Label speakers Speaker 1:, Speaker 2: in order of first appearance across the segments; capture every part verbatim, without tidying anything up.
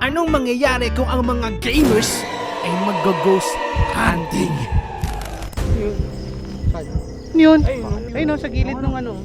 Speaker 1: Anong mangyayari kung ang mga gamers ay mag-ghost hunting?
Speaker 2: Ano yun? Ayun, no, sa gilid ng ano.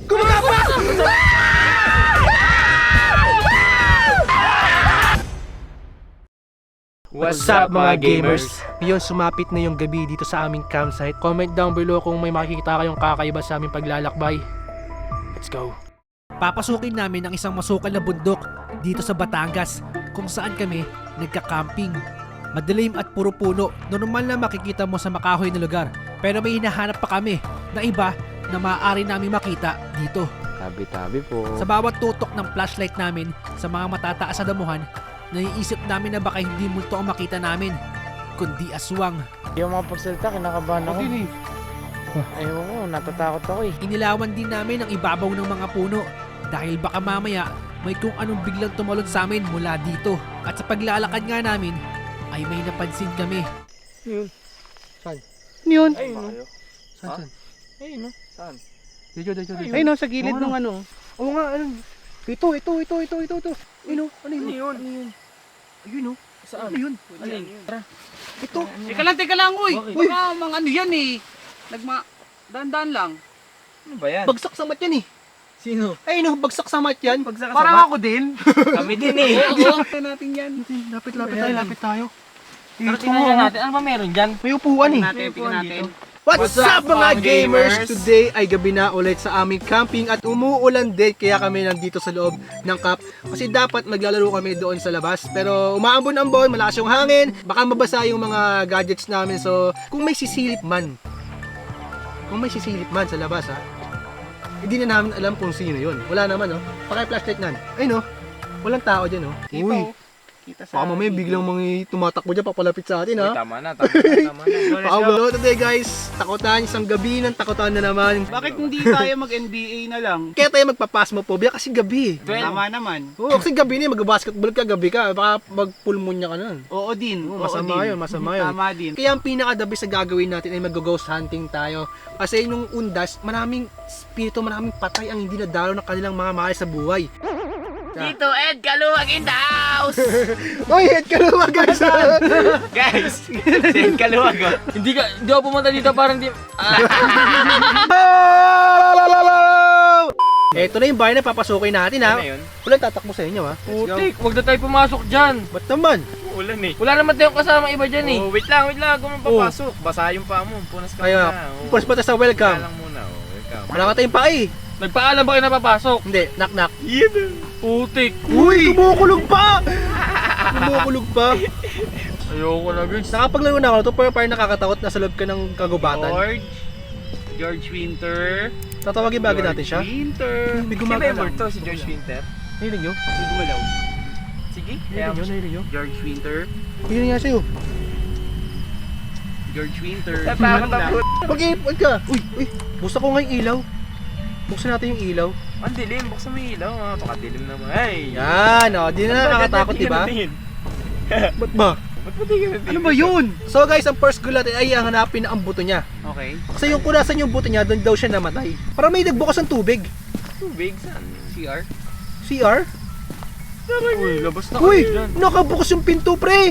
Speaker 1: What's up mga gamers? Ngayon sumapit na yung gabi dito sa aming campsite. Comment down below kung may makikita kayong kakaiba sa aming paglalakbay. Let's go! Papasukin namin ang isang masukal na bundok dito sa Batangas kung saan kami nagka-camping. Madilim at puro puno, normal na makikita mo sa makahoy na lugar. Pero may hinahanap pa kami na iba na maaari namin makita dito.
Speaker 3: Tabi-tabi po.
Speaker 1: Sa bawat tutok ng flashlight namin sa mga matataas na damuhan, naiisip namin na baka hindi multo ang makita namin, kundi aswang.
Speaker 3: Yung mga pagsalita, kinakabahan ako. Ayaw ko, natatakot ako eh.
Speaker 1: Inilawan din namin ang ibabaw ng mga puno dahil baka mamaya may kung anong biglang tumalon sa amin mula dito. At sa paglalakad nga namin ay may napansin kami.
Speaker 2: Yun. Saan? Ano yun?
Speaker 3: Ayun, no?
Speaker 2: Saan, saan?
Speaker 3: Ayun, no? Saan?
Speaker 1: Dito, dito, dito.
Speaker 2: Ayun, no, sa gilid ng ano.
Speaker 1: Oo nga, ano? Ito, ito, ito, ito, ito, ito. Ayun, ano yun?
Speaker 3: Ano yun? Ano yun?
Speaker 1: Ayun, oh.
Speaker 3: Saan?
Speaker 1: Ano yun?
Speaker 3: Ano yun? Tara.
Speaker 1: Ito.
Speaker 4: Teka lang, teka lang, uy.
Speaker 3: Bakit?
Speaker 4: Baka mga ano yan eh. Nagma... Dahan-dahan lang.
Speaker 3: Ano ba yan?
Speaker 1: Bagsak sa mat yan eh.
Speaker 3: Sino?
Speaker 1: Ayun, oh, bagsak sa mat yan.
Speaker 3: Bagsak
Speaker 4: Parang ako din.
Speaker 3: Kami din eh.
Speaker 4: Oo, oo. natin yan.
Speaker 1: Lapit, lapit tayo, lapit tayo.
Speaker 3: Pero tingnan natin, ano ba meron dyan?
Speaker 1: May upuan eh.
Speaker 4: Natin, tingnan natin.
Speaker 1: What's,
Speaker 3: What's
Speaker 1: up
Speaker 3: up,
Speaker 1: mga
Speaker 3: mga
Speaker 1: gamers?
Speaker 3: gamers?
Speaker 1: Today ay gabi na ulit sa aming camping at umuulan din kaya kami nandito sa loob ng camp kasi dapat maglalaro kami doon sa labas pero umaambon-ambon, malakas yung hangin, baka mabasa yung mga gadgets namin so kung may sisilip man kung may sisilip man sa labas ha hindi na namin alam kung sino yun. Wala naman oh. Paki-flashlight nan. Ay no. Walang tao dyan oh. Uy.
Speaker 4: Kita sa...
Speaker 1: Baka mamaya biglang mga tumatakbo dyan papalapit sa atin ha.
Speaker 3: Uy, tama na, tama na, tama na.
Speaker 1: Pakabalo today guys, takutan, isang gabi ng takutan na naman.
Speaker 2: Bakit hindi tayo mag-N B A na lang?
Speaker 1: Kaya tayo magpapasmophobia kasi gabi.
Speaker 2: Tama naman.
Speaker 1: Oo, kasi gabi na, mag-basketball ka, gabi ka, baka mag-pulmonya ka nun.
Speaker 2: Oo din.
Speaker 1: Oo,
Speaker 2: Oo
Speaker 1: masama
Speaker 2: din.
Speaker 1: yun, masama yun.
Speaker 2: Tama din.
Speaker 1: Kaya ang pinaka-the best na gagawin natin ay mag-ghost hunting tayo. Kasi nung undas, maraming spirito, maraming patay ang hindi nadalaw ng kanilang mga mahal sa buhay.
Speaker 4: Dito, Ed Kaluwag in the house!
Speaker 1: Uy, head ka naman guys!
Speaker 3: Guys, si Ed Kaluwag oh. Hindi ka, hindi ako pumunta dito parang di... Ah.
Speaker 1: Ito na yung bahay na papasukin natin ha.
Speaker 3: Ano yun?
Speaker 1: Walang tatakbo sa inyo ha. Let's go.
Speaker 3: Putik, huwag na tayo pumasok dyan.
Speaker 1: Ba't naman?
Speaker 3: Ulan eh. Wala naman tayong kasama iba dyan eh. Oh, wait lang, wait lang. Kung papasok, basa yung paa mo. Punas ka
Speaker 1: Kaya,
Speaker 3: muna. Oh.
Speaker 1: punas pa tayo sa welcome.
Speaker 3: Kaya lang muna, oh. Welcome.
Speaker 1: Wala ka tayong pa eh.
Speaker 3: Nagpaalam ba kayo na papasok?
Speaker 1: Hindi, knock knock.
Speaker 3: Yan. Putik.
Speaker 1: Uy, tumukulog pa! Tumukulog pa.
Speaker 3: Ayoko na guys.
Speaker 1: Nakapaglaro na ako na to pero parang nakakatakot na sa loob ka ng kagubatan.
Speaker 3: George. George Winter.
Speaker 1: Tatawagin ba agad natin siya?
Speaker 3: George Winter.
Speaker 1: May
Speaker 3: Si
Speaker 1: gumagalaw.
Speaker 3: Memor to, si George Winter.
Speaker 1: Nahilig nyo?
Speaker 3: Hindi gumalaw. Sige.
Speaker 1: Nahilig nyo? Nahilig nyo?
Speaker 3: George Winter.
Speaker 1: Nahilig nga sa'yo.
Speaker 3: George Winter.
Speaker 2: Tatakot ako.
Speaker 1: Pag-iipag ka. Uy, uy. Buksan ko nga yung ilaw. Buksan natin yung ilaw.
Speaker 3: Ang dilim. Buksan mo yung ilaw. Ah, pakadilim naman. Ay.
Speaker 1: Yan, o. Di na nakakatakot, di ba? Ba't ba?
Speaker 3: Ba't ba di ka natin?
Speaker 2: Ano ba yun?
Speaker 1: So guys, ang first goal natin ay ang hanapin na ang buto niya.
Speaker 2: Okay.
Speaker 1: Kasi yung kunasan yung buto niya, doon daw siya namatay. Parang may nagbukas ng tubig.
Speaker 3: Tubig? Saan? C R?
Speaker 1: C R?
Speaker 3: Uy, labas na
Speaker 1: Uy,
Speaker 3: kayo dyan.
Speaker 1: nakabukas yung pinto, pre.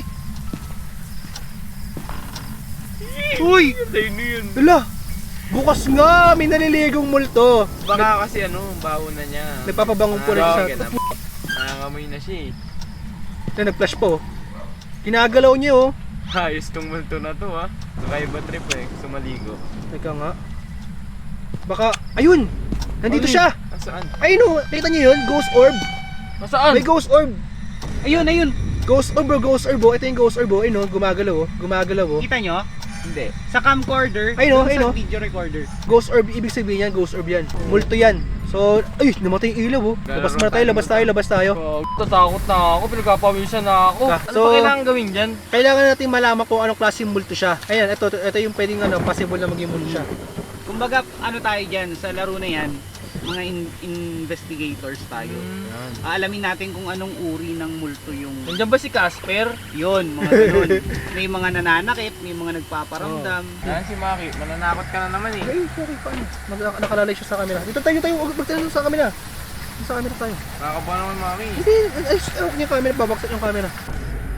Speaker 1: Uy,
Speaker 3: Tayo na yun.
Speaker 1: hala. Bukas nga, may naliligong multo.
Speaker 3: Baka kasi ano, baho na niya.
Speaker 1: Nagpapabangong po rin
Speaker 3: Ah,
Speaker 1: siya.
Speaker 3: ganun. Nangangamoy na siya eh.
Speaker 1: Na nag-flash po. Kinagalaw niya oh.
Speaker 3: Ayos tong multo na to ha. Nakaiba trip eh, sumaligo.
Speaker 1: Teka nga. Baka, ayun! Nandito
Speaker 3: Ay,
Speaker 1: siya!
Speaker 3: Nasaan?
Speaker 1: Ayun oh, nakita niyo yun? Ghost orb!
Speaker 3: Nasaan?
Speaker 1: May ghost orb!
Speaker 2: Ayun, ayun.
Speaker 1: Ghost orb bro, ghost orb oh. Ito yung ghost orb oh. Ayun oh, gumagalaw oh. Gumagalaw oh.
Speaker 2: Kita nyo?
Speaker 3: Hindi.
Speaker 2: Sa camcorder.
Speaker 1: Ayun,
Speaker 2: dun
Speaker 1: ayun,
Speaker 2: Sa video recorder.
Speaker 1: Ghost orb, ibig sabihin yan, ghost orb yan. Multo yan. So, ay, namatay yung ilaw oh. Labas muna tayo, labas tayo, labas tayo.
Speaker 3: Oh, tatakot na ako, pinagpapawisan na ako.
Speaker 1: Ah,
Speaker 3: Ano
Speaker 1: so-
Speaker 3: pa kailangan gawin dyan?
Speaker 1: Kailangan natin malaman kung anong klaseng multo siya. Ayan, ito, ito yung pwedeng ano, possible na maging multo siya.
Speaker 2: Kumbaga, ano tayo dyan, sa laro na yan, mga in- investigators tayo. Aalamin natin kung anong uri ng multo yung...
Speaker 3: Nandiyan ba si Casper?
Speaker 2: Yun, mga ganun. May mga nananakit, may mga nagpaparamdam.
Speaker 3: Yan si Maki, mananakot ka na naman eh.
Speaker 1: Ay, sorry, paano? Nag- nakalalay siya sa camera. Dito tayo, tayo, huwag magtanong sa camera. Dito sa camera tayo.
Speaker 3: Nakakaba naman Maki.
Speaker 1: Hindi, ay, ay, huwag niya yung camera, babaksak yung camera.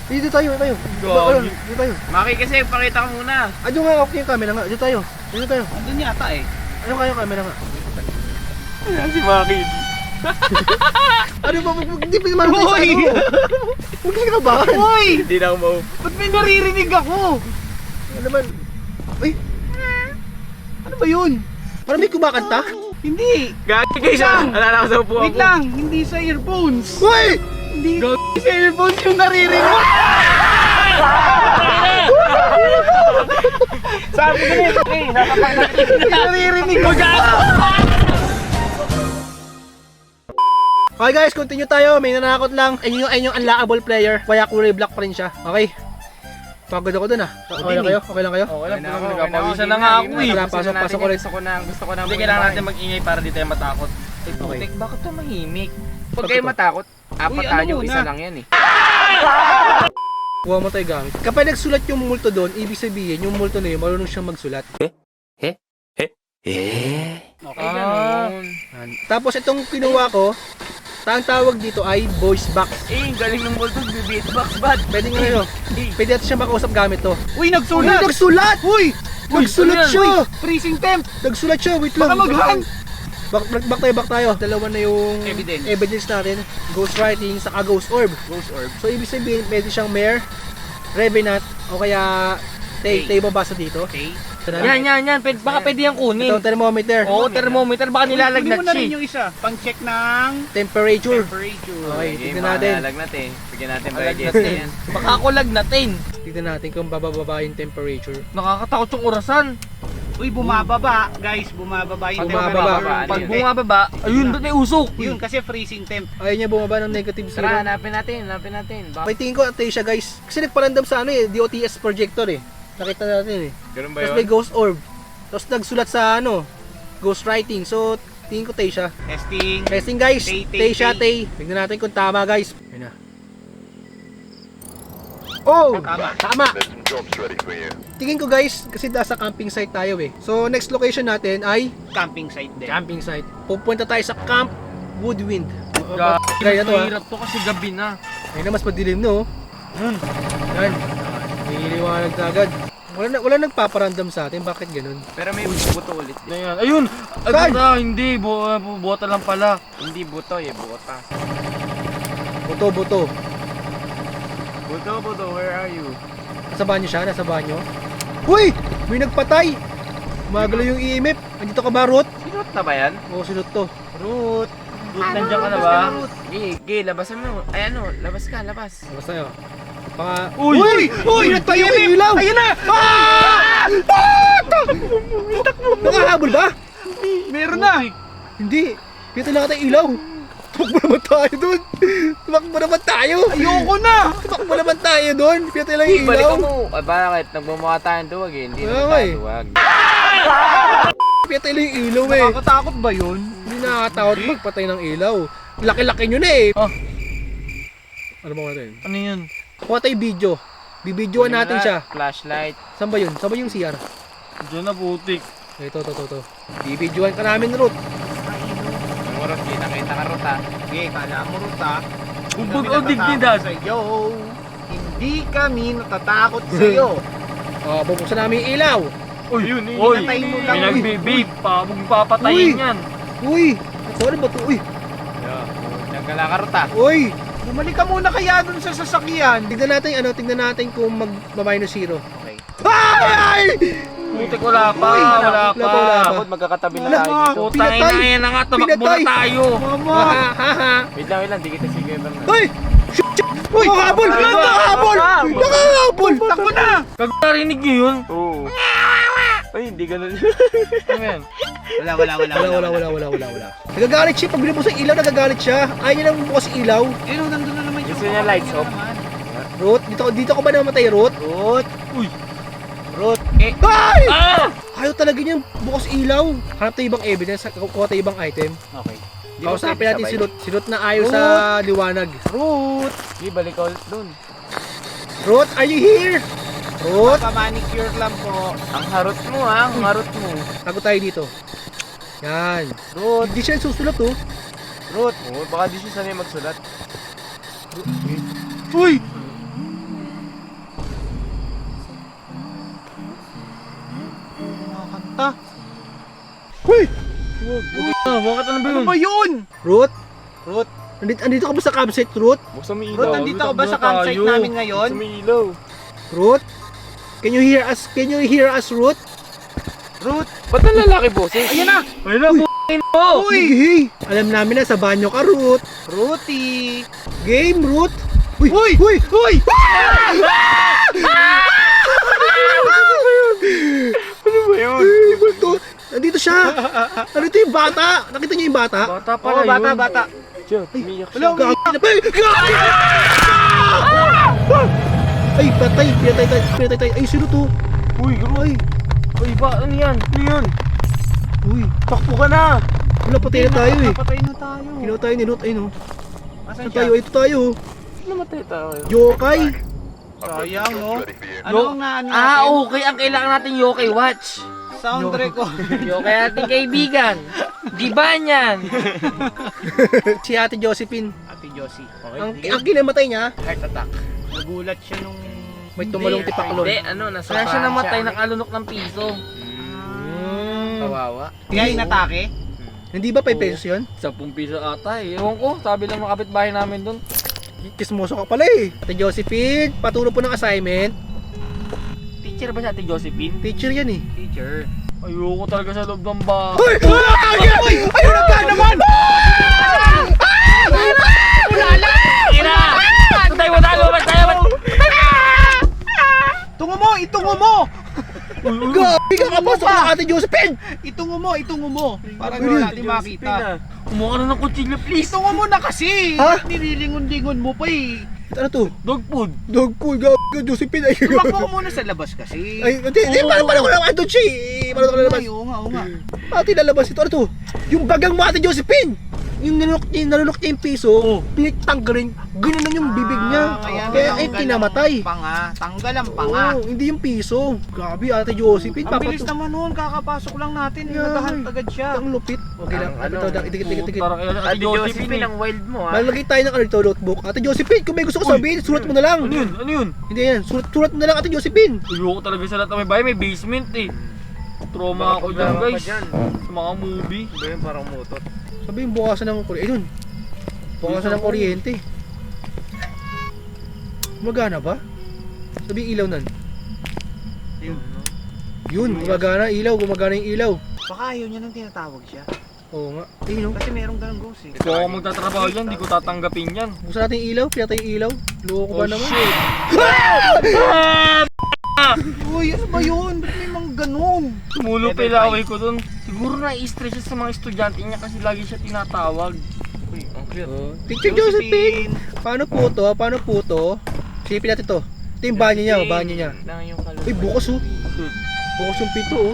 Speaker 1: Dito tayo, dito tayo.
Speaker 3: Gagi.
Speaker 1: Ayun, Dito tayo.
Speaker 3: Maki kasi, pakita ko muna.
Speaker 1: Ano nga, okay yung camera nga. Dito tayo. Dito tayo.
Speaker 2: Andun yata eh.
Speaker 1: Ano kayo camera nga?
Speaker 3: Ayan si Maki.
Speaker 1: Ano ba? Hindi pa naman sa
Speaker 2: Hoy!
Speaker 1: ano. Huwag ka kabahan.
Speaker 2: Hoy!
Speaker 3: Hindi na ako mau.
Speaker 2: Ba't may naririnig ako?
Speaker 1: Ano naman? Uy! Ano ba yun? Parang may kumakanta?
Speaker 2: Hindi!
Speaker 3: Gagi guys,
Speaker 2: Lang.
Speaker 3: alala ko sa upo ako.
Speaker 2: Wait lang! Hindi sa earphones!
Speaker 1: Uy!
Speaker 2: Hindi sa earphones yung naririnig!
Speaker 3: Sabi ko na okay, sasapak na
Speaker 2: Naririnig ko dyan!
Speaker 1: Okay guys, continue tayo. May nanakot lang. Ayun yung, ayun yung unlockable player. Kaya kulay black pa rin siya. Okay. Pagod ako dun ah. Okay lang kayo? Okay lang kayo?
Speaker 3: Okay lang,
Speaker 2: Okay na ako,
Speaker 3: nagpapawisan
Speaker 2: okay
Speaker 3: na
Speaker 2: na
Speaker 3: nga
Speaker 2: ako.
Speaker 3: ako eh.
Speaker 1: Wala, pasok, pasok ko rin.
Speaker 3: Gusto ko na, gusto ko na.
Speaker 2: Hindi,
Speaker 3: kailangan natin mag-ingay para di tayo matakot. Eh,
Speaker 1: Okay.
Speaker 3: putik, bakit to mahimik? Pag
Speaker 1: Bakit
Speaker 3: kayo
Speaker 1: to?
Speaker 3: matakot, apat
Speaker 2: Uy, ano
Speaker 3: tayo,
Speaker 2: muna?
Speaker 3: isa lang yan eh.
Speaker 1: Kuha mo tayo gamit. Kapag nagsulat yung multo doon, ibig sabihin yung multo na yun, marunong siyang magsulat.
Speaker 2: Okay,
Speaker 3: Ah,
Speaker 2: ganun.
Speaker 1: Yan. Tapos itong kinuha ko, ang tawag dito ay voice box.
Speaker 3: eh, galing ng multo, beatbox bad.
Speaker 1: Pwede nga ano, pwede natin siya makausap gamit to.
Speaker 2: Uy,
Speaker 1: Uy,
Speaker 2: nagsulat!
Speaker 1: nagsulat! Uy! Nagsulat
Speaker 3: ano yan?
Speaker 1: siya!
Speaker 2: Freezing temp!
Speaker 1: Nagsulat siya, wait lang.
Speaker 2: Baka mag-hang!
Speaker 1: Back, back, back tayo, back tayo. Dalawa na yung
Speaker 2: Evidence.
Speaker 1: evidence natin. Ghost writing, saka ghost orb.
Speaker 2: Ghost orb.
Speaker 1: So, ibig sabihin, pwede siyang mare, revenant, o kaya tay,
Speaker 2: Tay.
Speaker 1: tay babasa dito.
Speaker 2: Okay.
Speaker 1: Ito na.
Speaker 3: Yan, yan, yan. Pwede, baka pwede yung kunin.
Speaker 1: Ito, thermometer.
Speaker 3: Oo, thermometer. Baka
Speaker 2: Kunin
Speaker 3: nilalagnat
Speaker 2: mo na
Speaker 3: siya
Speaker 2: rin
Speaker 3: eh.
Speaker 2: yung isa. Pang-check ng
Speaker 1: Temperature.
Speaker 2: temperature.
Speaker 1: Okay,
Speaker 3: Sige,
Speaker 1: tignan natin.
Speaker 3: malalagnat eh. Bigyan natin ba
Speaker 2: Malagnat
Speaker 3: yung
Speaker 2: eh.
Speaker 3: yan? Baka ako lagnatin.
Speaker 1: Tignan natin kung bababa yung temperature.
Speaker 3: Nakakatakot yung orasan.
Speaker 2: Uy, bumababa. Guys, bumababa yung
Speaker 1: Pag
Speaker 2: temperature.
Speaker 1: bumababa,
Speaker 3: Pag
Speaker 2: Konti.
Speaker 3: bumababa, ayun, doon may usok.
Speaker 2: Yun, kasi freezing temp.
Speaker 1: Ayaw niya bumaba ng negative zero.
Speaker 3: Tara, hanapin natin, hanapin natin. Baka...
Speaker 1: May tingin ko atay siya guys. Kasi nagparandam sa ano eh, D O T S projector eh. Nakita natin eh.
Speaker 3: Ganun ba
Speaker 1: Tapos may ghost orb. Tapos nagsulat sa ano, ghost writing. So, tingin ko tay siya.
Speaker 2: Testing.
Speaker 1: Testing guys.
Speaker 2: Tay, tay,
Speaker 1: Tay siya,
Speaker 2: tay.
Speaker 1: tay. Tignan natin kung tama guys. Ayun na. Oh!
Speaker 2: Tama.
Speaker 1: Tama!
Speaker 5: There's some jobs ready for you.
Speaker 1: Tingin ko guys, kasi nasa camping site tayo eh. So, next location natin ay
Speaker 2: Camping site din.
Speaker 1: camping site. Pupunta tayo sa Camp Woodwind.
Speaker 3: Gagi,
Speaker 1: Gaya to ah.
Speaker 3: mahirap to kasi gabi na.
Speaker 1: Ayun na, mas madilim no. Yan. May liwanag na agad. Wala, na, wala nagpaparandam sa atin. Bakit ganun?
Speaker 3: Pero may buto ulit. Ayan. Ayun! Ay,
Speaker 1: Saan?
Speaker 3: buta, hindi. Bu uh, bu- buta lang pala. Hindi buto eh, buta.
Speaker 1: Buto, buto.
Speaker 3: Buto, buto, where are you?
Speaker 1: Nasa banyo siya? Nasa banyo? Uy! May nagpatay! Magalo yung E M F. Andito ka ba, Ruth?
Speaker 3: Sinot na ba yan?
Speaker 1: Oo, sinot to. Ruth!
Speaker 3: Ruth, nandiyan ka na ba? Gi, gi, labasan mo. Ay ano, labas ka, labas.
Speaker 1: Labas tayo. Baka...
Speaker 3: Uy!
Speaker 1: Uy! Uy! Nagtayo yung ilaw! Ayun na! Ah! Nakahabol ba?
Speaker 2: Meron na.
Speaker 1: Hindi. Dito lang tayo ilaw. Tumakbo naman tayo doon. Tumakbo naman tayo.
Speaker 2: Ayoko na.
Speaker 1: Tumakbo naman tayo doon. Dito lang yung
Speaker 3: Balik
Speaker 1: ilaw.
Speaker 3: mo. Ay, bakit? Nagmumukha tayong duwag eh. Hindi
Speaker 1: Kaya
Speaker 3: naman
Speaker 1: nga
Speaker 3: tayo
Speaker 1: eh.
Speaker 3: duwag.
Speaker 1: Dito lang yung ilaw eh.
Speaker 2: Nakakatakot ba yun?
Speaker 1: Hindi nakakatakot magpatay ng ilaw. Laki-laki nyo na eh.
Speaker 3: Oh.
Speaker 1: Ano ba natin?
Speaker 3: Ano yun?
Speaker 1: Kuha tayo video. Bibidyoan natin siya.
Speaker 3: Flashlight.
Speaker 1: Saan ba yun? Saan ba yung C R?
Speaker 3: Diyan na putik.
Speaker 1: Ito, ito, ito, ito. Bibidyoan ka namin, Ruth.
Speaker 3: Yung Rot, kita-kita ka Rot ha.
Speaker 2: Okay, kala mo Ruta.
Speaker 3: Umbog o dignidad.
Speaker 2: Sa'yo. Hindi kami natatakot sa'yo.
Speaker 1: Oh, bubuksan namin yung ilaw.
Speaker 3: Uy, yun eh.
Speaker 2: Uy, pinatay mo lang.
Speaker 3: May nagbe-vape pa. Huwag papatayin
Speaker 1: Uy.
Speaker 3: yan.
Speaker 1: Uy! Ano ba ito? Uy!
Speaker 3: Nagkala ka Rot ha.
Speaker 1: Uy!
Speaker 2: Bumalik ka muna kaya dun sa sasakyan.
Speaker 1: Tignan natin, ano, tignan natin kung mag-minus zero.
Speaker 2: Okay.
Speaker 1: Ay!
Speaker 3: Putik, wala pa.
Speaker 1: Uy,
Speaker 3: Wala
Speaker 1: wala
Speaker 3: pa.
Speaker 1: pa, wala pa.
Speaker 3: Dapat magkakatabi na
Speaker 1: Wala.
Speaker 3: tayo dito.
Speaker 1: Pinatay.
Speaker 3: Putang ina, yan na nga. Tumakbo na
Speaker 1: Pinatay.
Speaker 3: tayo.
Speaker 2: Mama.
Speaker 1: Ha ha ha!
Speaker 3: Wait lang, wait lang. Di kita sige. Bernard.
Speaker 1: Uy! Shit! shit. Uy! Nakahabol!
Speaker 3: Ay,
Speaker 1: Nakahabol!
Speaker 3: ay,
Speaker 1: Nakahabol!
Speaker 2: Takbo na.
Speaker 3: Kag narinig niyo yun? Oo. Ay, hindi ganun. Ano yan?
Speaker 2: Wala, wala, wala.
Speaker 1: Wala, wala, wala, wala, wala, wala. Nagagalit siya. Pag binubos ang ilaw, nagagalit siya. Ayaw niya nang bumukas ang ilaw.
Speaker 2: Ayun, nandun na naman yung...
Speaker 3: Gusto niya lights off?
Speaker 1: Ruth, dito, dito ko ba namatay, Ruth?
Speaker 2: Ruth.
Speaker 3: Uy.
Speaker 2: Ruth.
Speaker 1: Eh, ay!
Speaker 3: Ah!
Speaker 1: Ayaw talaga niya bukas ilaw. Hanap tayo ibang evidence, kuha tayo ibang item.
Speaker 2: Okay.
Speaker 1: Kausapin natin si Ruth. Si Ruth na ayaw sa liwanag. Ruth!
Speaker 3: Di, balik ka ulit dun.
Speaker 1: Ruth, are you here? Ruth!
Speaker 2: Pa-manicure lang po.
Speaker 3: Ang harot mo ha, ang harot mo.
Speaker 1: Tago tayo dito. Yan. Ruth, hindi siya susulat oh.
Speaker 3: Ruth. Oo, baka di siya sanay magsulat.
Speaker 1: Uy!
Speaker 3: Ah, bakit ano ba
Speaker 2: Ano
Speaker 3: yun?
Speaker 2: ba yun?
Speaker 1: Ruth?
Speaker 2: Ruth?
Speaker 1: Andito, andito ka ba sa campsite, Ruth?
Speaker 3: Buksan mo yung ilaw.
Speaker 2: Ruth, nandito ka ba sa
Speaker 3: Takbo na
Speaker 2: campsite
Speaker 3: tayo.
Speaker 2: namin ngayon?
Speaker 3: Buksan mo yung ilaw.
Speaker 1: Ruth? Can you hear us? Can you hear us, Ruth?
Speaker 2: Ruth!
Speaker 3: Ba't ang lalaki, boses?
Speaker 2: Ayan na!
Speaker 3: Ayun na, b***in mo!
Speaker 1: Uy! Hey! Alam namin na sa banyo ka, Ruth.
Speaker 2: Ruthie!
Speaker 1: Game, Ruth. Uy!
Speaker 2: Uy!
Speaker 1: Uy! Uy!
Speaker 3: Ano ba yun?
Speaker 1: Ay, ano to? Nandito siya. Nandito yung bata. Nakita niyo yung bata?
Speaker 3: Bata
Speaker 2: Oo,
Speaker 3: pala yun.
Speaker 2: bata, bata.
Speaker 3: Diyan, umiyak
Speaker 2: Wala,
Speaker 3: siya.
Speaker 2: umiyak.
Speaker 1: Gagi na pa. Gagi! Ay, patay. Pinatay tayo. Pinatay tayo. Ay, sino to?
Speaker 3: Uy, garo.
Speaker 1: Ay.
Speaker 3: Uy, ba? Ano yan? Ano yun?
Speaker 1: Uy.
Speaker 3: Takbo ka na!
Speaker 1: Wala, patay na tayo eh.
Speaker 2: Napatay na tayo.
Speaker 1: Ginawa tayo ni Ruth. Ay, no.
Speaker 2: Asan
Speaker 1: Ito
Speaker 2: siya?
Speaker 1: tayo. Ito tayo.
Speaker 3: Namatay tayo.
Speaker 1: Yokai.
Speaker 2: Sayang, no? Ano
Speaker 3: Yo-
Speaker 2: ang naano
Speaker 3: Ah,
Speaker 2: natin?
Speaker 3: okay. Ang kailangan natin yokai watch.
Speaker 2: Sound record.
Speaker 3: Yokai ating kaibigan. Di ba niyan?
Speaker 1: Si Ate Josephine.
Speaker 2: Ate Josie. Okay.
Speaker 1: Ang, ang kinamatay niya,
Speaker 2: Heart attack. Nagulat siya nung...
Speaker 1: may tumalong tipaklon.
Speaker 3: Hindi, ano, nasa Kaya siya namatay, nakalunok ng piso.
Speaker 1: Mm.
Speaker 3: Kawawa.
Speaker 2: Kaya inatake?
Speaker 1: Hindi ba five pesos yun?
Speaker 3: Sampung piso ata eh. Ewan ko, sabi lang ng kapitbahay namin dun.
Speaker 1: Kismoso ka pala eh. Ate Josephine, paturo po ng assignment.
Speaker 3: Teacher ba si Ate Josephine?
Speaker 1: Teacher yan eh.
Speaker 2: Teacher.
Speaker 3: Ayoko talaga sa loob ng bahay.
Speaker 1: Hoy! Hoy! Ayun na ba naman!
Speaker 3: Ina! Tayo mo tayo, mas tayo, mas...
Speaker 2: Itungo mo! Itungo mo!
Speaker 1: Gabi ka kapasok ng Ate Josephine!
Speaker 2: Itungo mo! Itungo mo! Para
Speaker 1: Ano
Speaker 2: doon
Speaker 1: yun?
Speaker 2: natin makita.
Speaker 3: Kumuha ka na ng kutsilyo, please.
Speaker 2: Itungo mo na kasi!
Speaker 1: Ha?
Speaker 2: Nililingon-lingon mo pa eh.
Speaker 1: Ano to?
Speaker 3: Dog food.
Speaker 1: Dog food, gabi ka Josephine. Ay,
Speaker 2: Tumakbo ko muna sa labas kasi.
Speaker 1: Ay, hindi, hindi, paano paano ko lang andun siya eh. Paano ko lalabas?
Speaker 2: Oo nga, oo nga.
Speaker 1: Ate, lalabas ito. Ano to? Yung bagang mo, Ate Josephine! Yung nalunok niya, nalunok niya yung piso, pinagtanggalin, gano'n yung bibig niya.
Speaker 2: Ah,
Speaker 1: Kaya,
Speaker 2: kaya
Speaker 1: eh,
Speaker 2: tanggal
Speaker 1: kinamatay.
Speaker 2: ang Panga. Tanggal ang panga.
Speaker 1: Oo, hindi yung piso. Grabe, Ate Josephine.
Speaker 2: Ang bilis
Speaker 1: papato-
Speaker 2: naman nun, kakapasok lang natin.
Speaker 1: Yeah.
Speaker 2: Nagahant agad siya.
Speaker 1: Ang lupit. Okay lang.
Speaker 3: Ang
Speaker 1: Ito, ito, tikit, tikit, tikit.
Speaker 3: Parang kaya Ate Josephine ang wild mo ha.
Speaker 1: Malagay tayo ng ano dito, notebook. Ate Josephine, kung may gusto ko sabihin, sulat mo na lang.
Speaker 3: Ano yun? Ano yun?
Speaker 1: Hindi yan, sulat, sulat mo na lang, Ate Josephine.
Speaker 3: Ayoko talaga sa lahat ng may bahay, may basement eh. Trauma ako dyan guys. Sa mga movie. Ba yun parang motor?
Speaker 1: Sabihin, bukasan ng kuryente. Ayun. Bukasan ng kuryente. Gumagana ba? Sabihin ilaw nan.
Speaker 2: Yun.
Speaker 1: Yun, gumagana ilaw, gumagana yung ilaw.
Speaker 2: Baka ayaw niya nang tinatawag siya.
Speaker 1: Oo nga. Ayun, no?
Speaker 2: Kasi merong ganang ghost eh.
Speaker 3: Kung ako magtatrabaho dyan, di ko tatanggapin yan.
Speaker 1: Buksan natin yung ilaw, pinatay yung ilaw. Loko ba
Speaker 3: Oh
Speaker 1: naman?
Speaker 3: shit!
Speaker 2: Uy, ano ba yun? Ba't may mga ganun?
Speaker 3: Tumulo pa
Speaker 2: Level
Speaker 3: yung away ko dun. Siguro na-stress siya sa mga estudyante niya kasi lagi siya tinatawag. Uy, ang cute.
Speaker 1: Oh. Teacher Josephine! Paano po to? Paano po to? Silipin natin to. Ito yung banyo niya, oh, banyo niya.
Speaker 3: Lang yung kaluluwa.
Speaker 1: Uy, bukas oh.
Speaker 3: Shoot.
Speaker 1: Bukas yung pito oh.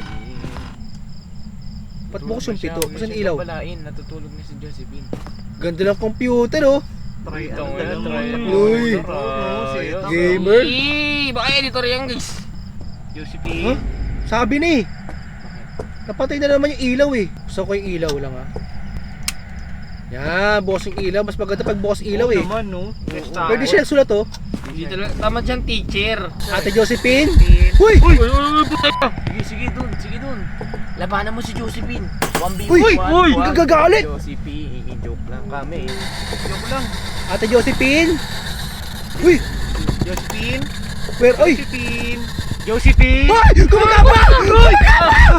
Speaker 1: Ba't bukas yung pito? Bukas yung ilaw.
Speaker 3: Balain, natutulog na si Josephine.
Speaker 1: Ganda ng computer oh.
Speaker 2: Try
Speaker 3: Ito,
Speaker 2: ano,
Speaker 3: try
Speaker 2: dalawa
Speaker 3: mo.
Speaker 2: lang.
Speaker 1: Uy.
Speaker 2: Oo, setup.
Speaker 1: Gamer.
Speaker 3: Eee, baka editor yan guys.
Speaker 2: Josephine.
Speaker 1: Huh? Sabi ni. Napatay na naman yung ilaw eh. Gusto ko yung ilaw lang ah. Yan, bukas yung ilaw. Mas maganda pag bukas ilaw
Speaker 2: Oo
Speaker 1: eh.
Speaker 2: naman, no? Next time.
Speaker 1: Pwede siya sulat oh.
Speaker 3: Hindi talaga, tama dyan teacher.
Speaker 1: Ate Josephine.
Speaker 2: Josephine.
Speaker 1: Uy!
Speaker 3: Uy, uy, uy, puta ka. Sige, sige dun, sige dun. Labanan mo si Josephine. one v one.
Speaker 1: Uy! Uy! Gagagalit!
Speaker 3: Josephine, i-joke lang kami.
Speaker 2: Joke lang.
Speaker 1: Ate Josephine. Uy!
Speaker 2: Josephine.
Speaker 1: Where? Uy!
Speaker 2: Josephine. Josephine.
Speaker 1: Uy! Gumagapa! Uy!